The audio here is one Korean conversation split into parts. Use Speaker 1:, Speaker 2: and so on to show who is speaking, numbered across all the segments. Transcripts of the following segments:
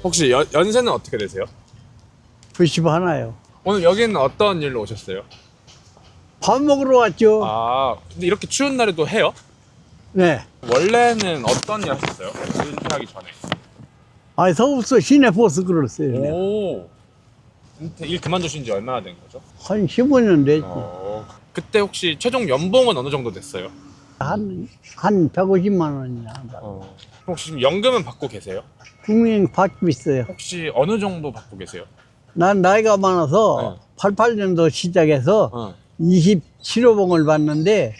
Speaker 1: 혹시 연세는 어떻게 되세요?
Speaker 2: 90 하나요.
Speaker 1: 오늘 여기는 어떤 일로 오셨어요?
Speaker 2: 밥 먹으러 왔죠.
Speaker 1: 아, 근데 이렇게 추운 날에도 해요?
Speaker 2: 네.
Speaker 1: 원래는 어떤 일 하셨어요? 은퇴하기 전에.
Speaker 2: 아니, 서울서 시내버스 그랬어요. 내가.
Speaker 1: 오. 일 그만두신 지 얼마나 된 거죠?
Speaker 2: 한 15년 됐지.
Speaker 1: 그때 혹시 최종 연봉은 어느 정도 됐어요?
Speaker 2: 한 150만 원이나.
Speaker 1: 혹시 지금 연금은 받고 계세요?
Speaker 2: 국민 받고 있어요.
Speaker 1: 혹시 어느 정도 받고 계세요?
Speaker 2: 난 나이가 많아서 88년도 시작해서 27호봉을 받는데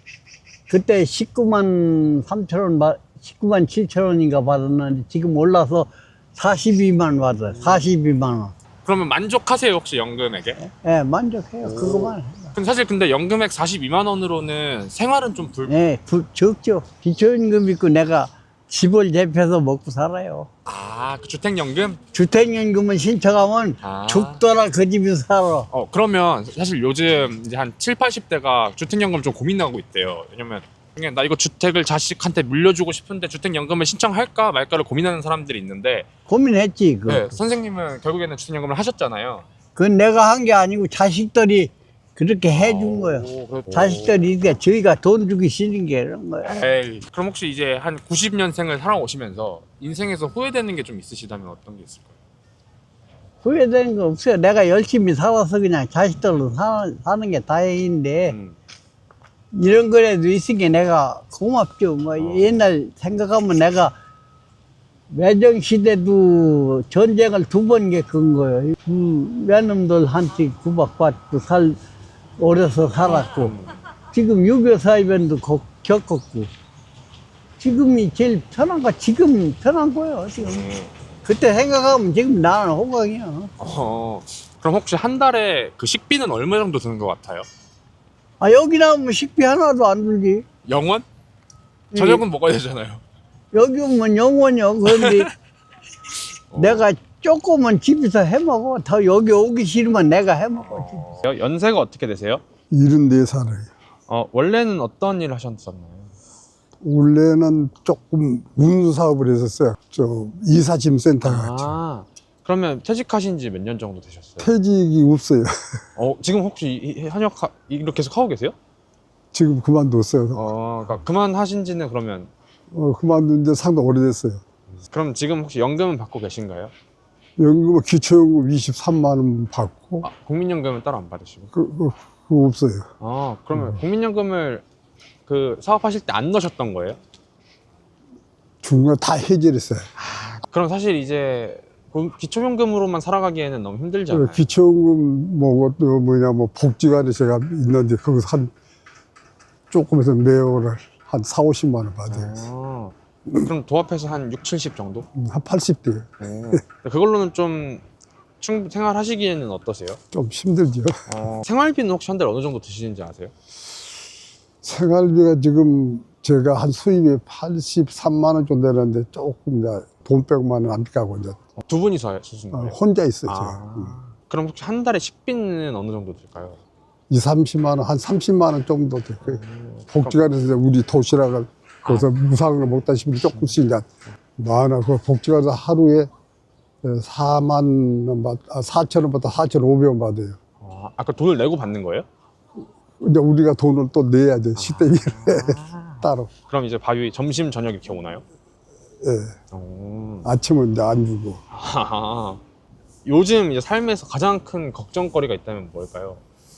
Speaker 2: 그때 19만 3천 원, 19만 7천 원인가 받았는데 지금 올라서 42만 받아요. 42만 원.
Speaker 1: 그러면 만족하세요, 혹시 연금액에?
Speaker 2: 예, 만족해요. 그거만.
Speaker 1: 근데 사실 근데 연금액 42만 원으로는 생활은 좀
Speaker 2: 예, 적죠. 기초연금 있고 내가 집을 대표해서 먹고 살아요.
Speaker 1: 그 주택연금?
Speaker 2: 주택연금은 신청하면 죽더라 그 집에서 살아.
Speaker 1: 그러면 사실 요즘 이제 한 7, 80대가 주택연금 좀 고민하고 있대요. 왜냐면 그냥 나 이거 주택을 자식한테 물려주고 싶은데 주택연금을 신청할까 말까를 고민하는 사람들이 있는데
Speaker 2: 고민했지.
Speaker 1: 네, 선생님은 결국에는 주택연금을 하셨잖아요.
Speaker 2: 그건 내가 한 게 아니고 자식들이 그렇게 해준 거예요. 자식들이 이렇게 저희가 돈 주기 싫은 게 이런 거예요.
Speaker 1: 에이, 그럼 혹시 이제 한 90년생을 살아오시면서 인생에서 후회되는 게 좀 있으시다면 어떤 게 있을까요?
Speaker 2: 후회되는 거 없어요. 내가 열심히 살아서 그냥 자식들로 사는 게 다행인데 이런 거라도 있으니까 내가 고맙죠. 뭐 옛날 생각하면 내가 외정 시대도 전쟁을 2번 겪은 거예요. 그 외놈들한테 구박받고 어려서 살았고 지금 6.25 사이변도 겪었고 지금이 제일 편한 거 지금 편한 거예요. 지금 그때 생각하면 지금 나는 호강이야.
Speaker 1: 그럼 혹시 한 달에 그 식비는 얼마 정도 드는 것 같아요?
Speaker 2: 아, 여기 나오면 식비 하나도 안 들지.
Speaker 1: 영원? 저녁은 먹어야 되잖아요.
Speaker 2: 여기 오면 영원이요. 그런데 내가 조금은 집에서 해 먹어. 더 여기 오기 싫으면 내가 해 먹어.
Speaker 1: 연세가 어떻게 되세요?
Speaker 3: 74살이에요.
Speaker 1: 원래는 어떤 일 하셨었나요?
Speaker 3: 원래는 조금 운수사업을 했었어요. 이사짐센터 같이.
Speaker 1: 그러면 퇴직하신 지 몇 년 정도 되셨어요?
Speaker 3: 퇴직이 없어요.
Speaker 1: 지금 혹시 현역 이렇게 계속 하고 계세요?
Speaker 3: 지금 그만뒀어요.
Speaker 1: 그러니까 그만하신 지는 그러면
Speaker 3: 그만둔 지 상당히 오래됐어요.
Speaker 1: 그럼 지금 혹시 연금은 받고 계신가요?
Speaker 3: 연금은 기초연금 23만 원 받고
Speaker 1: 국민연금은 따로 안 받으시고?
Speaker 3: 그거 없어요.
Speaker 1: 그러면 국민연금을 그 사업하실 때 안 넣으셨던 거예요?
Speaker 3: 중간에 다 해지를 했어요.
Speaker 1: 그럼 사실 이제 기초연금으로만 살아가기에는 너무 힘들잖아요.
Speaker 3: 기초연금 뭐 복지관에 제가 있는데 거기서 한 조금해서 매월 한 4, 50만 원 받아요.
Speaker 1: 그럼 도합해서 한 6, 70 정도?
Speaker 3: 한 80대.
Speaker 1: 그걸로는 좀 생활하시기에는 어떠세요?
Speaker 3: 좀 힘들죠.
Speaker 1: 생활비는 혹시 한 달에 어느 정도 드시는지 아세요?
Speaker 3: 생활비가 지금 제가 한 수입이 83만 원 정도 되는데 조금 이제 돈 빼고만 안 가고 이제
Speaker 1: 두 분이서 쓰시는 거예요?
Speaker 3: 혼자 있어요. 제가.
Speaker 1: 그럼 혹시 한 달에 식비는 어느 정도 들까요?
Speaker 3: 2, 30만 원, 한 30만 원 정도 될 거예요. 복지관에서 이제 우리 도시락을 거기서 무상으로 먹다 싶으면 조금씩 이제 많아. 그 복지관에서 하루에 4만 원 4천 원부터 4,500원 받아요.
Speaker 1: 아까 돈을 내고 받는 거예요?
Speaker 3: 근데 우리가 돈을 또 내야 돼. 식대비를 따로.
Speaker 1: 그럼 이제 밥이 점심 저녁 이렇게 오나요?
Speaker 3: 예. 아침은 이제 안 주고.
Speaker 1: 요즘 이제 삶에서 가장 큰 걱정거리가 있다면 뭘까요?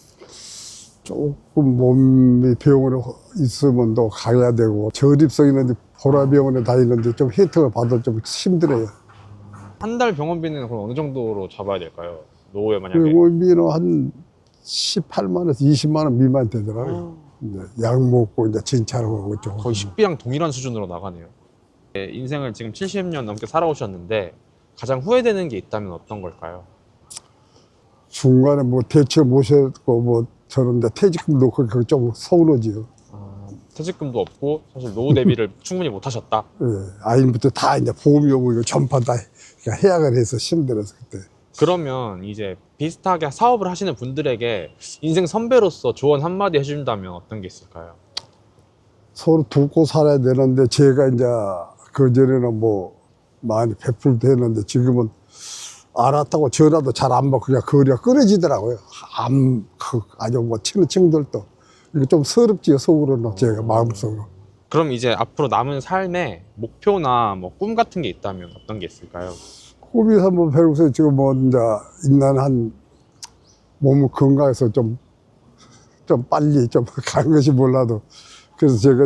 Speaker 3: 조금 몸이 병원에 있으면 또 가야 되고 저립성 있는데 보라병원에 다니는데 좀 혜택을 받아 좀 힘들어요.
Speaker 1: 한 달 병원비는 그럼 어느 정도로 잡아야 될까요? 노후에 만약에
Speaker 3: 병원비는 한 18만 원에서 20만 원 미만 되더라고요. 이제 약 먹고 이제 진찰하고 좀
Speaker 1: 거의 식비랑 동일한 수준으로 나가네요. 인생을 지금 70년 넘게 살아오셨는데 가장 후회되는 게 있다면 어떤 걸까요?
Speaker 3: 중간에 뭐 대체 모셨고 뭐 저런데 퇴직금 넣고 그거 좀 서운하지요.
Speaker 1: 퇴직금도 없고 사실 노후 대비를 충분히 못 하셨다.
Speaker 3: 예, 아이부터 다 이제 보험이 오고 이거 전파 다 해약을 해서 힘들어서 그때.
Speaker 1: 그러면 이제 비슷하게 사업을 하시는 분들에게 인생 선배로서 조언 한마디 해준다면 어떤 게 있을까요?
Speaker 3: 서로 돕고 살아야 되는데 제가 이제 그전에는 뭐 많이 베풀도 했는데 지금은 알았다고 전화도 잘 안 받고 그냥 거리가 끊어지더라고요. 아주 뭐 치는 친구들도. 이게 좀 서럽지요, 속으로는 제가 마음속으로.
Speaker 1: 그럼 이제 앞으로 남은 삶에 목표나 뭐 꿈 같은 게 있다면 어떤 게 있을까요?
Speaker 3: 꿈이 한번 배우고서 지금 뭐 이제 있는 한 몸 건강해서 좀 빨리 좀 가는 것이 몰라도 그래서 제가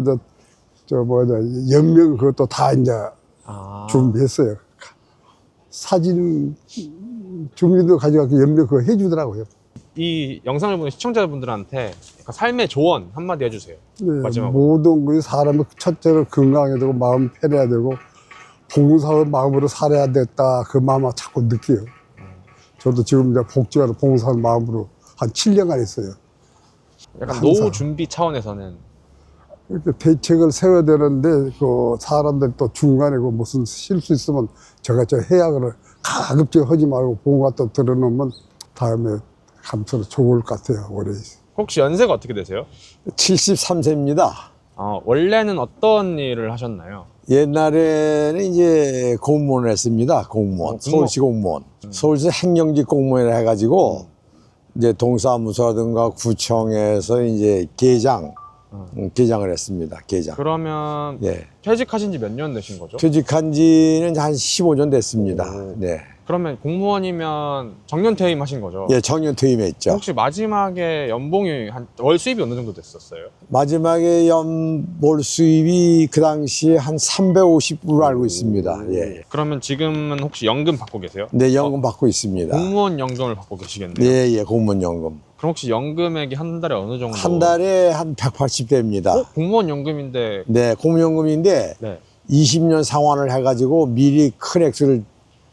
Speaker 3: 연명 그것도 다 이제 준비했어요. 사진 주민도 가져가서 연명 그거 해주더라고요.
Speaker 1: 이 영상을 보는 시청자분들한테 약간 삶의 조언 한마디 해주세요.
Speaker 3: 네,
Speaker 1: 마지막으로.
Speaker 3: 모든 것이 사람이 첫째로 건강해야 되고 마음 편해야 되고 봉사의 마음으로 살아야 됐다 그 마음을 자꾸 느껴요. 저도 지금 이제 복지관을 봉사하는 마음으로 한 7년간 했어요.
Speaker 1: 약간
Speaker 3: 항상.
Speaker 1: 노후 준비 차원에서는
Speaker 3: 이렇게 대책을 세워야 되는데 그 사람들 또 중간에 그 무슨 실수 있으면 제가 해야 그래 가급적 하지 말고 봉사 또 들어놓으면 다음에 감사로 좋을 것 같아요. 올해
Speaker 1: 혹시 연세가 어떻게 되세요?
Speaker 4: 73세입니다.
Speaker 1: 원래는 어떤 일을 하셨나요?
Speaker 4: 옛날에는 이제 공무원을 했습니다. 공무원. 서울시 공무원. 서울시 행정직 공무원을 해가지고 이제 동사무소라든가 구청에서 이제 계장을 했습니다. 계장.
Speaker 1: 그러면
Speaker 4: 예.
Speaker 1: 퇴직하신 지 몇 년 되신 거죠?
Speaker 4: 퇴직한 지는 한 15년 됐습니다. 네.
Speaker 1: 그러면 공무원이면 정년 퇴임하신 거죠?
Speaker 4: 예, 정년 퇴임했죠.
Speaker 1: 혹시 마지막에 연봉이 월 수입이 어느 정도 됐었어요?
Speaker 4: 마지막에 연봉 수입이 그 당시에 한 350으로 알고 있습니다. 예.
Speaker 1: 그러면 지금은 혹시 연금 받고 계세요?
Speaker 4: 네, 연금 받고 있습니다.
Speaker 1: 공무원 연금을 받고 계시겠네요.
Speaker 4: 예, 예, 공무원 연금.
Speaker 1: 그럼 혹시 연금액이 한 달에 어느 정도?
Speaker 4: 한 달에 한 180대입니다.
Speaker 1: 공무원 연금인데.
Speaker 4: 네, 공무연금인데
Speaker 1: 네.
Speaker 4: 20년 상환을 해가지고 미리 큰 액수를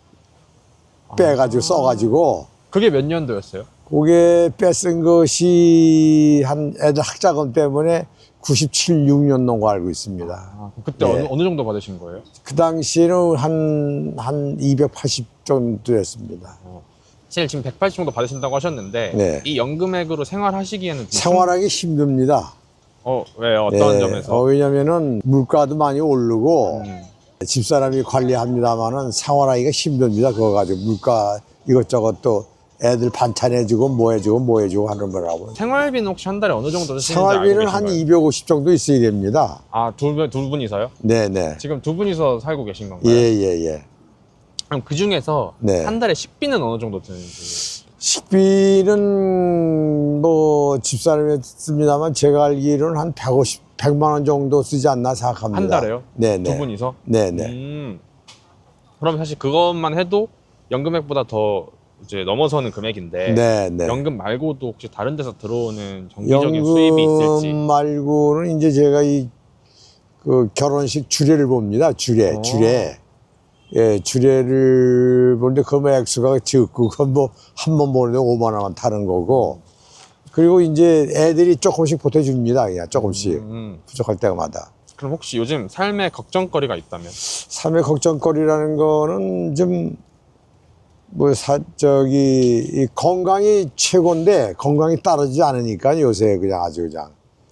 Speaker 4: 빼가지고 써가지고
Speaker 1: 그게 몇 년도였어요?
Speaker 4: 그게 뺏은 것이 한 애들 학자금 때문에 97, 6년 넘고 알고 있습니다.
Speaker 1: 그때
Speaker 4: 네.
Speaker 1: 어느 정도 받으신 거예요?
Speaker 4: 그 당시에는 한 280 정도 였습니다.
Speaker 1: 사실 지금 180 정도 받으신다고 하셨는데
Speaker 4: 네.
Speaker 1: 이 연금액으로 생활하시기에는 좀
Speaker 4: 생활하기 힘듭니다.
Speaker 1: 왜요? 어떤
Speaker 4: 네.
Speaker 1: 점에서?
Speaker 4: 왜냐면은 물가도 많이 오르고
Speaker 1: 음.
Speaker 4: 집사람이 관리합니다만은 생활하기가 힘듭니다. 그거 가지고 물가 이것저것 또 애들 반찬 해주고 뭐 해주고 하는 거라고.
Speaker 1: 생활비는 혹시 한 달에 어느 정도 드시는지
Speaker 4: 생활비는
Speaker 1: 알고
Speaker 4: 한
Speaker 1: 계신가요?
Speaker 4: 250 정도 있어야 됩니다.
Speaker 1: 두 분이서요?
Speaker 4: 네네.
Speaker 1: 지금 두 분이서 살고 계신 건가요?
Speaker 4: 예예예.
Speaker 1: 그럼 그 중에서
Speaker 4: 네.
Speaker 1: 한 달에 식비는 어느 정도 드는지?
Speaker 4: 식비는 뭐 집사람이 씁니다만 제가 알기로는 한 100만 원 정도 쓰지 않나 생각합니다.
Speaker 1: 한 달에요?
Speaker 4: 네네.
Speaker 1: 두 분이서?
Speaker 4: 네네.
Speaker 1: 그럼 사실 그것만 해도 연금액보다 더 이제 넘어서는 금액인데
Speaker 4: 네네.
Speaker 1: 연금 말고도 혹시 다른 데서 들어오는 정기적인 수입이 있을지?
Speaker 4: 연금 말고는 이제 제가 그 결혼식 주례를 봅니다. 주례. 예, 주례를 보는데 그 액수가 적고 그건 뭐 한 번 보는데 5만 원만 타는 거고 그리고 이제 애들이 조금씩 보태줍니다. 그냥 조금씩 부족할 때마다.
Speaker 1: 그럼 혹시 요즘 삶의 걱정거리가 있다면?
Speaker 4: 삶의 걱정거리라는 거는 좀 이 건강이 최고인데 건강이 따르지 않으니까 요새 그냥 아주 그냥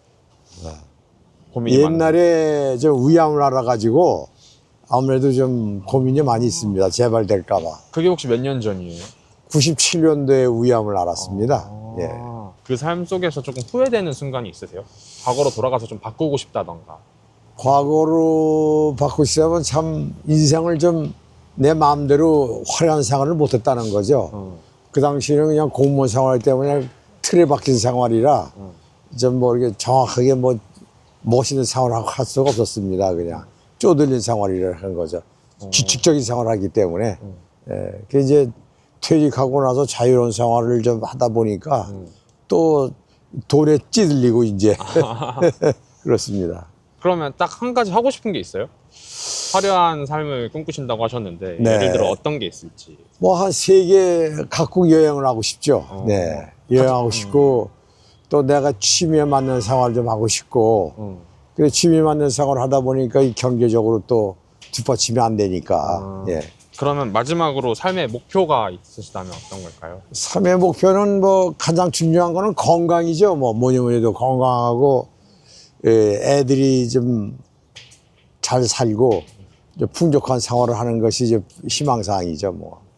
Speaker 1: 고민이 많은.
Speaker 4: 옛날에 좀 위암을 알아가지고 아무래도 좀 고민이 많이 있습니다. 재발될까봐.
Speaker 1: 그게 혹시 몇 년 전이에요?
Speaker 4: 97년도에 위암을 알았습니다. 예.
Speaker 1: 그 삶 속에서 조금 후회되는 순간이 있으세요? 과거로 돌아가서 좀 바꾸고 싶다던가.
Speaker 4: 과거로 바꾸고 싶으면 참 인생을 좀 내 마음대로 화려한 생활을 못했다는 거죠. 그 당시에는 그냥 공무원 생활 때문에 틀에 박힌 생활이라 좀 뭐 이렇게 정확하게 뭐 멋있는 생활을 할 수가 없었습니다. 그냥 쪼들린 생활이라 하는 거죠. 규칙적인 생활을 하기 때문에. 예. 그 이제 퇴직하고 나서 자유로운 생활을 좀 하다 보니까 또 돈에 찌들리고 이제 그렇습니다.
Speaker 1: 그러면 딱 한 가지 하고 싶은 게 있어요? 화려한 삶을 꿈꾸신다고 하셨는데
Speaker 4: 네.
Speaker 1: 예를 들어 어떤 게 있을지.
Speaker 4: 뭐 한 세계 각국 여행을 하고 싶죠. 네. 여행하고 싶고 또 내가 취미에 맞는 생활을 좀 하고 싶고 그래 취미에 맞는 생활을 하다 보니까 이 경제적으로 또 뒷받침이 안 되니까. 예.
Speaker 1: 그러면 마지막으로 삶의 목표가 있으시다면 어떤 걸까요?
Speaker 4: 삶의 목표는 뭐 가장 중요한 거는 건강이죠. 뭐니 해도 건강하고 예, 애들이 좀 잘 살고 풍족한 생활을 하는 것이 이제 희망사항이죠, 뭐.